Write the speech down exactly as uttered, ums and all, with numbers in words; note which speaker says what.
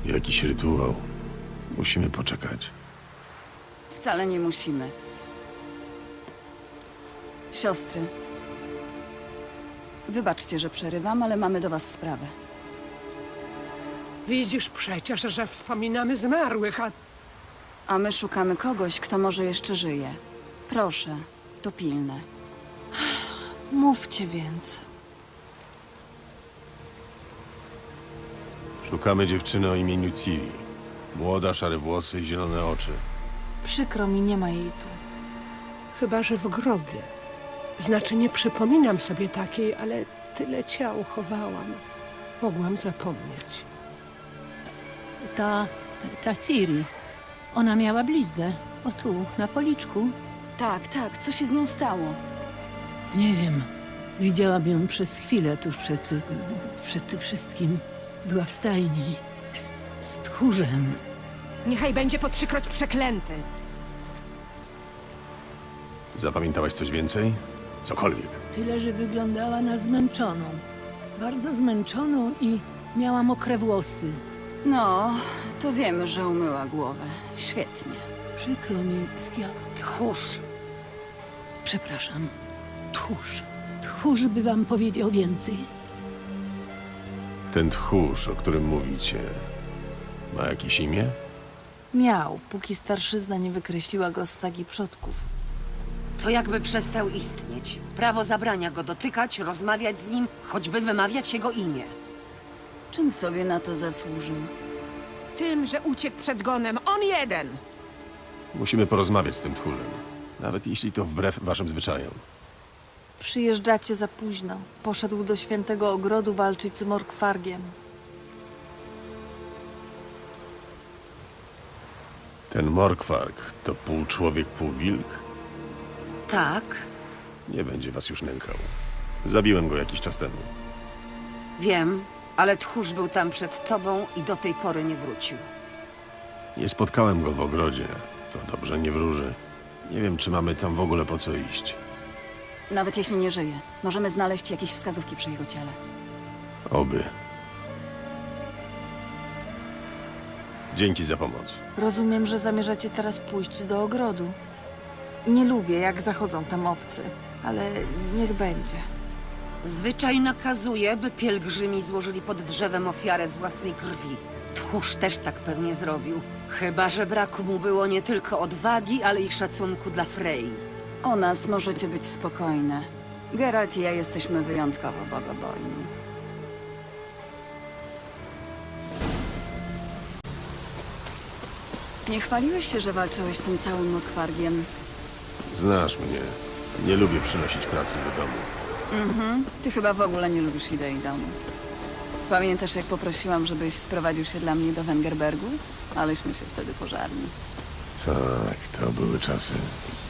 Speaker 1: Jakiś rytuał. Musimy poczekać.
Speaker 2: Wcale nie musimy. Siostry. Wybaczcie, że przerywam, ale mamy do was sprawę.
Speaker 3: Widzisz przecież, że wspominamy zmarłych, a
Speaker 2: A my szukamy kogoś, kto może jeszcze żyje. Proszę, to pilne.
Speaker 4: Mówcie więc.
Speaker 1: Szukamy dziewczyny o imieniu Ciri. Młoda, szare włosy i zielone oczy.
Speaker 4: Przykro mi, nie ma jej tu.
Speaker 3: chyba że w grobie. Znaczy, nie przypominam sobie takiej, ale tyle ciał chowałam. Mogłam zapomnieć.
Speaker 5: Ta, ta Ciri, ona miała bliznę. O tu, na policzku.
Speaker 2: Tak, tak, co się z nią stało?
Speaker 5: Nie wiem. Widziałam ją przez chwilę tuż przed, przed tym wszystkim. Była w stajni z, z tchórzem.
Speaker 6: Niechaj będzie po trzykroć przeklęty.
Speaker 1: Zapamiętałaś coś więcej? Cokolwiek.
Speaker 5: Tyle, że wyglądała na zmęczoną. Bardzo zmęczoną i miała mokre włosy.
Speaker 2: No, to wiemy, że umyła głowę. Świetnie.
Speaker 5: Przykro mi, Skia.
Speaker 6: Tchórz!
Speaker 5: Przepraszam. Tchórz. Tchórz by wam powiedział więcej.
Speaker 1: Ten tchórz, o którym mówicie, ma jakieś imię?
Speaker 4: Miał, póki starszyzna nie wykreśliła go z sagi przodków.
Speaker 7: To jakby przestał istnieć. Prawo zabrania go dotykać, rozmawiać z nim, choćby wymawiać jego imię.
Speaker 2: Czym sobie na to zasłużył?
Speaker 6: Tym, że uciekł przed gonem. On jeden!
Speaker 1: Musimy porozmawiać z tym tchórzem. Nawet jeśli to wbrew waszym zwyczajom.
Speaker 4: Przyjeżdżacie za późno. Poszedł do świętego ogrodu walczyć z Morkwargiem.
Speaker 1: Ten Morkwarg to pół człowiek, pół wilk?
Speaker 7: Tak,
Speaker 1: Nie będzie was już nękał. Zabiłem go jakiś czas temu.
Speaker 7: wiem, ale tchórz był tam przed tobą i do tej pory nie wrócił.
Speaker 1: Nie spotkałem go w ogrodzie. To dobrze nie wróży. Nie wiem, czy mamy tam w ogóle po co iść.
Speaker 2: Nawet jeśli nie żyje, możemy znaleźć jakieś wskazówki przy jego ciele.
Speaker 1: Oby. Dzięki za pomoc.
Speaker 4: Rozumiem, że zamierzacie teraz pójść do ogrodu. Nie lubię, jak zachodzą tam obcy, ale niech będzie.
Speaker 7: Zwyczaj nakazuje, by pielgrzymi złożyli pod drzewem ofiarę z własnej krwi. Tchórz też tak pewnie zrobił. Chyba że braku mu było nie tylko odwagi, ale i szacunku dla Frey.
Speaker 2: O nas możecie być spokojne. Geralt i ja jesteśmy wyjątkowo bogobojni. Nie chwaliłeś się, że walczyłeś z tym całym Morkwargiem.
Speaker 1: Znasz mnie. Nie lubię przynosić pracy do domu.
Speaker 2: Ty chyba w ogóle nie lubisz idei domu. Pamiętasz, jak poprosiłam, żebyś sprowadził się dla mnie do Wengerbergu? Aleśmy się wtedy pożarli.
Speaker 1: Tak, to były czasy.